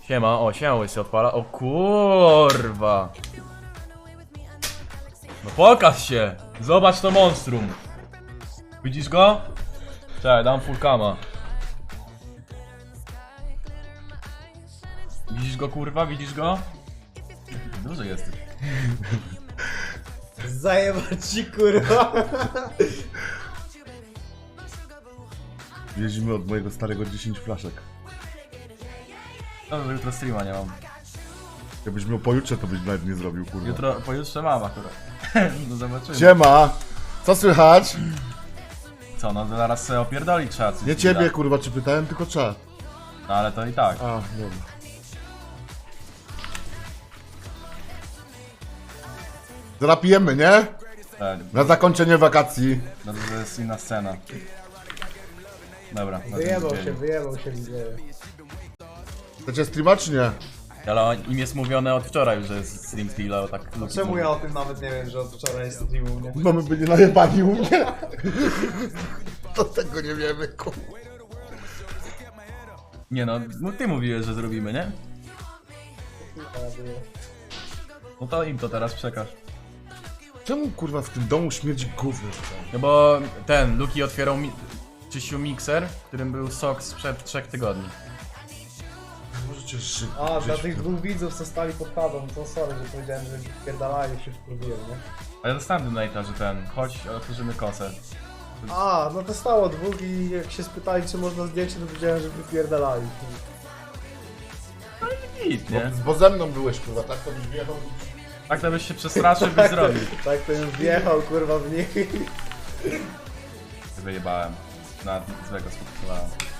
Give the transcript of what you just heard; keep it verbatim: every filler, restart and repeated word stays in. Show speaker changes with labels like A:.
A: Siema, o, siema łysy odpala. O kurwa. No pokaż się! Zobacz to monstrum. Widzisz go? Czekaj, dam full cama. Widzisz go kurwa? Widzisz go? Duży jesteś.
B: Zajebać ci kurwa.
C: Jeździmy od mojego starego dziesięć flaszek.
A: No, że jutro streama nie mam.
C: Jakbyś miał pojutrze, to byś nawet nie zrobił, kurwa.
A: Jutro, pojutrze mam akurat. No zobaczymy.
C: Siema! Co słychać?
A: Co, no zaraz sobie opierdolić trzeba coś.
C: Nie ciebie, kurwa, czy pytałem, tylko czat.
A: No ale to i tak.
C: A, dobra. Zarapijemy, nie?
A: Tak,
C: Na zakończenie wakacji.
A: no to jest inna scena. Dobra. no to
B: Wyjebał
A: widzieli.
B: się, wyjebał się widzę.
C: Chcecie streama, czy nie?
A: Ale im jest mówione od wczoraj, że jest stream Steel'a, tak. Luki
B: Czemu
A: mówi.
B: ja o tym nawet nie wiem, że od wczoraj jest stream u mnie?
C: Bo my byli najebani u mnie. To tego nie wiemy, kurwa.
A: Nie no, no ty mówiłeś, że zrobimy, nie? No to im to teraz przekaż.
C: Czemu, kurwa, w tym domu śmierdzi gówno?
A: No bo ten, Luki otwierał mi czyścił mikser, w którym był sok sprzed trzech tygodni.
C: Możecie żyć.
B: A, dla tych dwóch widzów, co stali pod chatą, to sorry, że powiedziałem, że pierdalają się wkurwiłem, nie?
A: A ja dostałem donate'a, że ten, chodź, otworzymy kosę.
B: A, no to stało dwóch i jak się spytali, czy można zdjęcie, to powiedziałem, że wypierdalali.
A: Git, nie?
C: Bo ze mną byłeś, kurwa, tak to byś wjechał.
A: Tak to byś się przestraszył, byś zrobił.
B: Tak to już wjechał, kurwa, w nich.
A: Wyjebałem. Na złego spotkałem.